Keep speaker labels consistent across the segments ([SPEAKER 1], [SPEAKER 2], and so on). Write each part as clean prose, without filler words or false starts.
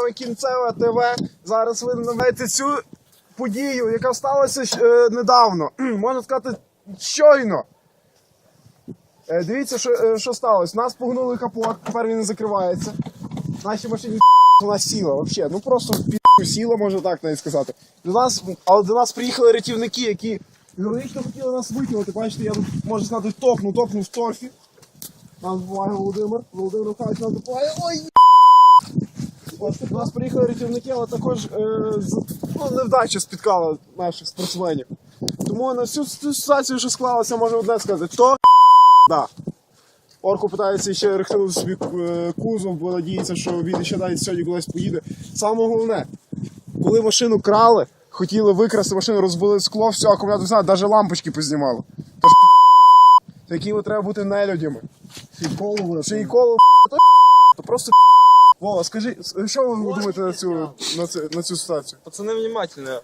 [SPEAKER 1] вами Кінцеве ТВ. Зараз ви знаєте цю подію, яка сталася недавно. Можна сказати, щойно. Дивіться, що сталося. Нас погнули капот, тепер він не закривається. Наші машині вона сіла, взагалі. Ну просто сіла, можна так навіть сказати. Але до нас приїхали рятівники, які героїчно хотіли нас витягнути. Бачите, я тут, можна сказати, топнув в торфі. Нам допомагає Володимир Михайлович нам допомагає. Ой! До нас приїхали рятівники, але також невдача спіткала наших спортсменів. Тому на всю цю ситуацію, що склалося, можна одне сказати. Да. Орку питається ще рихтувати собі кузов, бо надіється, що він ще навіть сьогодні кудись поїде. Саме головне, коли машину крали, хотіли викрасти машину, розбили скло, все, акумулятор знає, навіть лампочки познімало. Тож такими треба бути нелюдями. Ще й коло, то просто Вова, скажи, що ви думаєте на цю ситуацію?
[SPEAKER 2] Пацаны внимательно.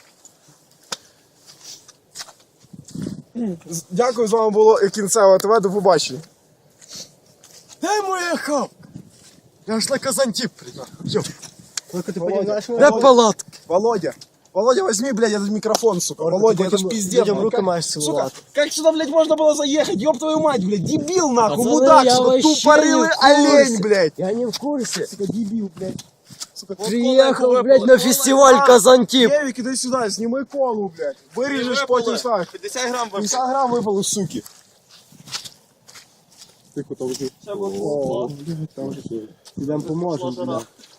[SPEAKER 1] Дякую, з вами було Кінцеве ТВ, до побачення.
[SPEAKER 3] Де моя хавка? Я ж на Казантип приїхав.
[SPEAKER 1] Де
[SPEAKER 3] палатки?
[SPEAKER 1] Володя, возьми, блядь, этот микрофон, сука. Володя, это ж пиздец.
[SPEAKER 3] Людям руки маєш цілувати.
[SPEAKER 1] Сука, как сюда, блядь, можно было заехать? Ёб твою мать, блядь, дебил, нахуй,
[SPEAKER 3] Пацаны,
[SPEAKER 1] мудак,
[SPEAKER 3] я
[SPEAKER 1] сука,
[SPEAKER 3] вообще
[SPEAKER 1] тупорылый
[SPEAKER 3] не в
[SPEAKER 1] олень,
[SPEAKER 3] курсе.
[SPEAKER 1] блядь.
[SPEAKER 3] Я не в курсе.
[SPEAKER 1] Сука, дебил, блядь. Сука,
[SPEAKER 3] Приехал, блядь, на фестиваль Казантип.
[SPEAKER 1] Девик, иди сюда, снимай колу, блядь. Вырежешь, потім ставишь.
[SPEAKER 2] 50 грамм
[SPEAKER 1] 50 грамм выпало, суки. Тихо, там вже.
[SPEAKER 2] Все, вот.
[SPEAKER 1] Блядь, там вже.
[SPEAKER 3] Ідем поможемо.